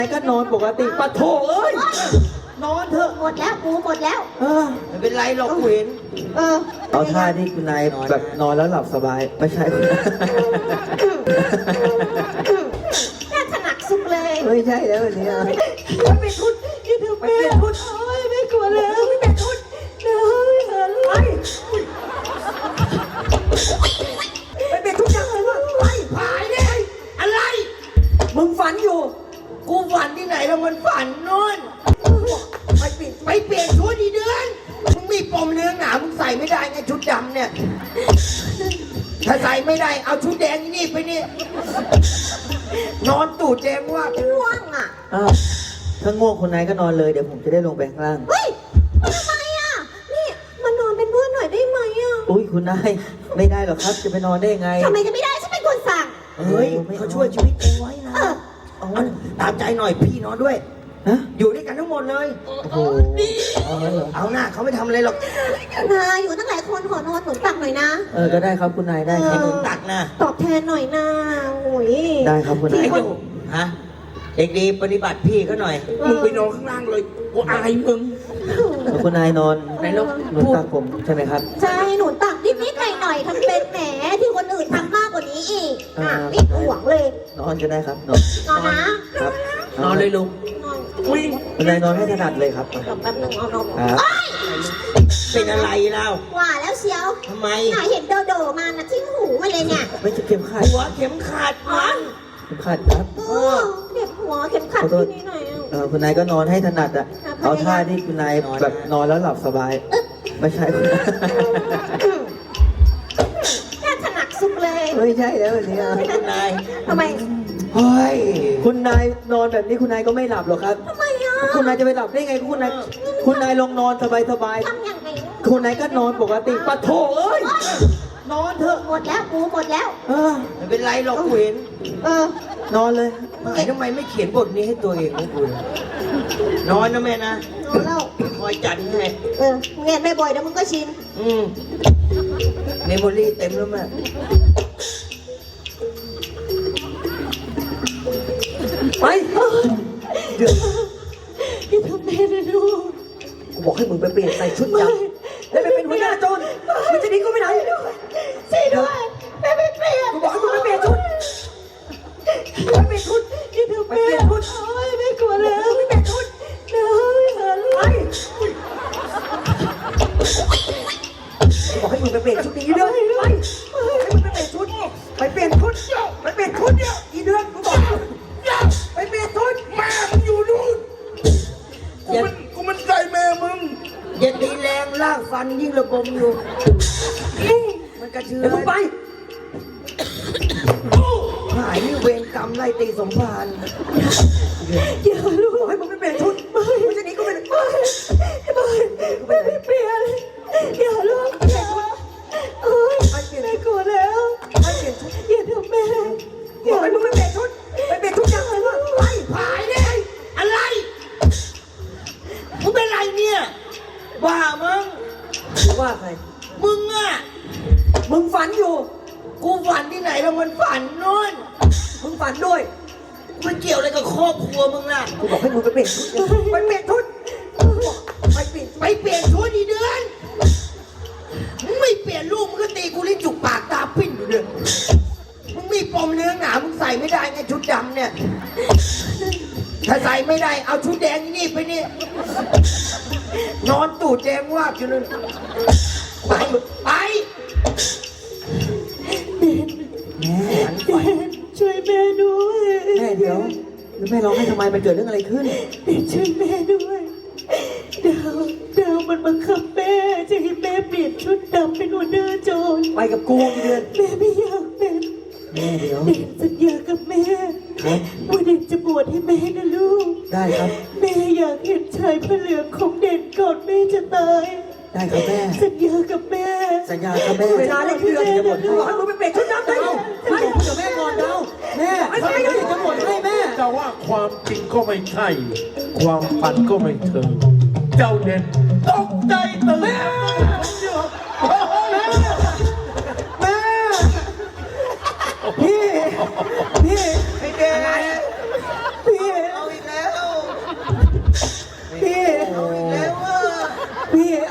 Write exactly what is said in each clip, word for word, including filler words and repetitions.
ก็นอนปกติปะโถเอ้ยนอนเถอะหมดแล้วกูหมดแล้วเออไม่เป็นไรหรอกกูเห็นเออเอาท่าที่คุณนายแบบนอนแล้วหลับสบายไม่ใช่คุณนายน่าถนัดสุดเลยไม่ใช่แล้ววันนี้อ่ะมันเป็นทุนยี่ถือเป็นทุนโอ้ยไม่กลัวแล้วไม่เป็นทุนเลยเออเลยไม่เป็นทุกอย่างเลยไอ้ผายเนี่ยอะไรมึงฝันอยู่กูฝันที่ไหนแล้วมันฝันนู่นไปเปลี่ยนไปเปลี่ยนชุดดีเดือนมึงมีปมเนื้อหนามึงใส่ไม่ได้ไงชุดดำเนี่ยถ้าใส่ไม่ได้เอาชุดแดงนี่ไปนี่นอนตูดแดงว่าง่วงอ่ะอ้าวถ้าง่วงคุณนายก็นอนเลยเดี๋ยวผมจะได้ลงไปข้างล่างเฮ้ยทำไมอ่ะนี่มานอนเป็นเพื่อนหน่อยได้ไหมอ่ะอุ้ยคุณนายไม่ได้หรอกครับจะไปนอนได้ยังไงทำไมจะไม่ได้ฉันเป็นคนสั่งเฮ้ยเขาช่วยชีวิตเองไว้นะเออเอาตามใจหน่อยพี่นอนด้วยฮะอยู่ด้วยกันทั้งหมดเลยโอ้โหเอางั้นเหรอเอาหน้าเขาไม่ทำอะไรหรอกนาอยู่ตั้งหลายคนขอนอนหนุนตักหน่อยนะเออก็ได้ครับคุณนายได้คให้รับมึงตักนะตอบแทนหน่อยนะโอ้ยได้ครับคุณนายไอ้ดูฮะเด็กดีปฏิบัติพี่เขาหน่อย มึงไปนอนข้างล่างเลย กูอายมึงแล้วคุณนายนอนไหนลองหนุนตักผมใช่ไหมครับใช่หนุนตักนิดนิดหน่อยหน่อยๆทำเป็นแหมที่คนอื่นทำมากกว่านี้อีกอ่ะไม่ห่วงเลยนอนก็ได้ครับนอนนอนนะครับนอนเลยลุงนอนวิ่งคุณนายนอนให้ถนัดเลยครับเดี๋ยวแป๊บนึงเอานมครับเอ้ยเป็นอะไรเล่าว่าแล้วเชียวทำไมน่าเห็นโดโดมานะทิ้งหูมาเลยเนี่ยไม่ใช่เข็มขัดหัวเข็มขัดมันเข็มขัดครับเออเด็กหัวเข็มขัดที่นี่หน่อยอ่ะเออคุณนายก็นอนให้ถนัดอ่ะครับเอาท่าที่คุณนายแบบนอนแล้วหลับสบาย ไม่ใช่คุณนายน่าถนัดสุดเลยไม่ใช่แล้ววันนี้อ่ะคุณนายทำไมเฮ้ยคุณนายนอนแบบนี้คุณนายก็ไม่หลับหรอกครับทำไมอ่ะคุณนายจะไปหลับได้ไงคุณนายคุณนายลองนอนสบายสบายทำอย่างไรๆคุณนายก็นอนปกติปะโถเอ้ยนอนเถอะหมดแล้วกูหมดแล้วเออไม่เป็นไรหรอกกูเห็นเออนอนเลยไอ้ทำไมไม่เขียนบทนี้ให้ตัวเองวะกูนอนนะแม่นะนอนแล้วคอยจัดให้เออเงียบไม่บ่อยเดี๋ยวมึงก็ชินอืมเมมโมรี่เต็มแล้วแม่ไปเดี๋ยวอย่าทำแม่นะลูกกูบอกให้มึงไปเปลี่ยนใส่ชุดดำแล้วไปเป็นหัวหน้าโจรมึงจะหนีก็ไม่ได้ช่วยด้วยแม่ไม่เปลี่ยนกูบอกให้มึงไปเปลี่ยนชุดไปเปลี่ยนชุดอย่าทำไปแม่เปลี่ยนชุดโอ้ยไม่กลัวแล้วไม่เป็นทุนเลยเออลูกกูบอกให้มึงไปเปลี่ยนชุดนี้เด้อไปให้มึงไปเปลี่ยนชุดไปเปลี่ยนชุดไปเปลี่ยนชุดเนี่ยอีเดือนกูบอกไปเปลี่ยนชุดแม่มึงอยู่นู่นกูมันกูมันใจแม่มึงอย่าตีแรงลากฟันยิ่งระบมอยู่ มันกระเชือเดี๋ยวมึงไปหายนี่เวรกรรมไล่ตีสมภารอย่าลูกบอกให้มึงไปเปลี่ยนชุดมึงจะหนีก็ไม่ได้ไม่ไม่เปลี่ยนอย่าลูกอย่าโอ้ยแม่กลัวแล้วไปเปลี่ยนชุดอย่าทำแม่บอกให้มึงไปเปลี่ยนชุดไปเปลี่ยนชุดยังไงวะไปหายเนี่ยอะไรมึงเป็นไรเนี่ยบ้ามึงมึงว่าใครมึงอะมึงฝันอยู่กูฝันที่ไหนแล้วมันฝันนู่นมึงฝันด้วยมันเกี่ยวอะไรกับครอบครัวมึงล่ะกูบอกให้มึงไปเปลี่ยนชุดยังไปเปลี่ยนชุดไปเปลี่ยนไปเปลี่ยนชุดดีเดือนมึงไม่เปลี่ยนลูกมึงก็ตีกูลิ้นจุกปากตาปิ้นอยู่เดือนมึงมีปมเนื้อหนามึงใส่ไม่ได้ไงชุดดำเนี่ย ถ้าใส่ไม่ได้เอาชุดแดงนี่ไปนี่นอนตูดแดงว่าบอยู่เลยไปไปแม่ช่วยแม่ด้วยแม่เดี๋ยวแล้วแม่ร้องให้ทำไมมันเกิดเรื่องอะไรขึ้นช่วยแม่ด้วยดาวดาวมันบังคับแม่จะให้แม่เปลี่ยนชุดดำเป็นหัวหน้าโจรไปกับกูกี่เดือนแม่ไม่อยากเป็นแม่เดี๋ยวเด่นสัญญากับแม่ครับว่าเด่นจะบวชให้แม่นะลูกได้ครับแม่อยากเห็นชายพระเหลืองของเด่นก่อนแม่จะตายได้ครับแม่สัญญากับแม่สัญญาครับแม่เวลาเล่นเดือนจะหมดให้บอกให้มึงไปเปลี่ยนชุดดำได้ไปพูดกับแม่ก่อนเดาแม่ทำไมถึงจะหมดให้แม่จะว่าความจริงก็ไม่ใช่ ความฝันก็ไม่เถิงเจ้าเด่นตกใจตื่นแม่พี่พี่ไอ้เด็กพี่เอาอีกแล้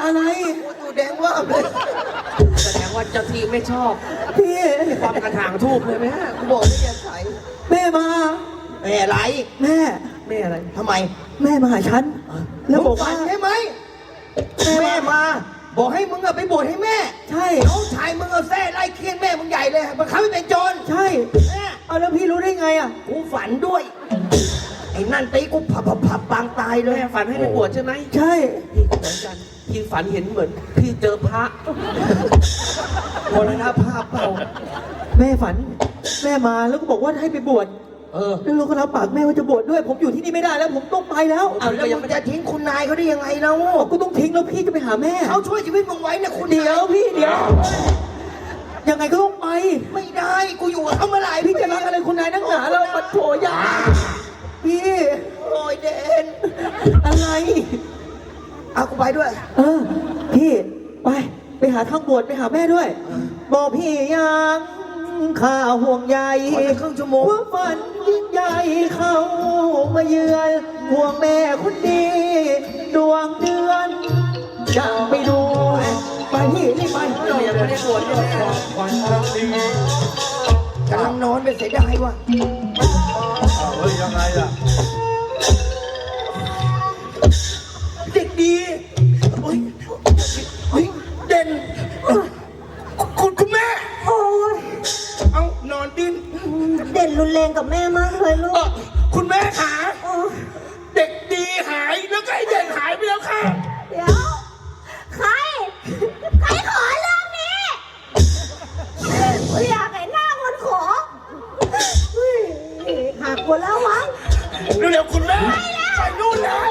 อะไรกูตูแดงว่าบเลยแสดงว่าเจ้าที่ไม่ชอบพี่ความกระถางทูบเลยไหมฮะกูบอกไม่อย่าใส่แม่มาแม่ไรแม่แม่อะไรทำไมแม่มาหาฉัน แล้วบอกมึงฝัว่านใช่ไหมแม่มา บอกให้มึงอะไปบวชให้แม่ใช่น้องชายมึงเอาแส้ไล่เคียนแม่มึงใหญ่เลยมันเขาไม่เป็นโจรใช่แม่เอาแล้วพี่รู้ได้ไงอ่ะกูฝันด้วย ไอ้นั่นตีกูผับผับผับปางตายเลยแม่ฝันให้ไปบวชใช่ไหมใช่พี่ก็เหมือนกันพี่ฝันเห็นเหมือน พี่เจอพระมรณภาพเปล่าแม่ฝัน แม่มาแล้วก็บอกว่าให้ไปบวชเออแล้วลูกก็รับปากแม่ว่าจะบวชด้วย ผมอยู่ที่นี่ไม่ได้แล้ว ผมต้องไปแล้วเอาแล้วมึงจะทิ้งคุณนายเขาได้ยังไงเล่าก็ต้องทิ้งแล้วพี่จะไปหาแม่เขาช่วยชีวิตมึงไว้นะคุณเดี๋ยวพี่เดี๋ยว ยังไงก็ต้องไปไม่ได้กูอยู่กับเขาเมื่อไหร่พี่จะรักอะไรคุณนายนักหนาเราปัดโถยาพี่โอ้ยเดนอะไรเอากูไปด้วยเออ พี่ไป ไปหาทางบวชไปหาแม่ด้วย บอกพี่ยังข้าห่วงใยขอสักครึ่งชั่วโมงว่าฝันยิ่งใหญ่เข้ามาเยือนห่วงแม่คนดีดวงเดือนจะไปดู ไปพี่รีบไปเรายังไม่ได้บวชเลยความฝันครั้งนี้กำลังนอนเป็นเสียดายว่ะอ้าวเฮ้ยยังไงล่ะเด็กดีเฮ้ยเฮ้ยเด่นคุณคุณแม่โอ้ยเอานอนดินเด่นรุนแรงกับแม่มากเลยลูเอ่อก คุณแม่ขาโอ้ยเด็กดีหายแล้วก็ไอ้เด่นหายไปแล้วค่ะเดี๋ยว ใคร ใครขอเรื่องนี้อยากเห็นหน้าคนขอเฮ้ยหักหมดแล้วมั้งเร็วๆคุณแม่ใส่นู่นแล้ว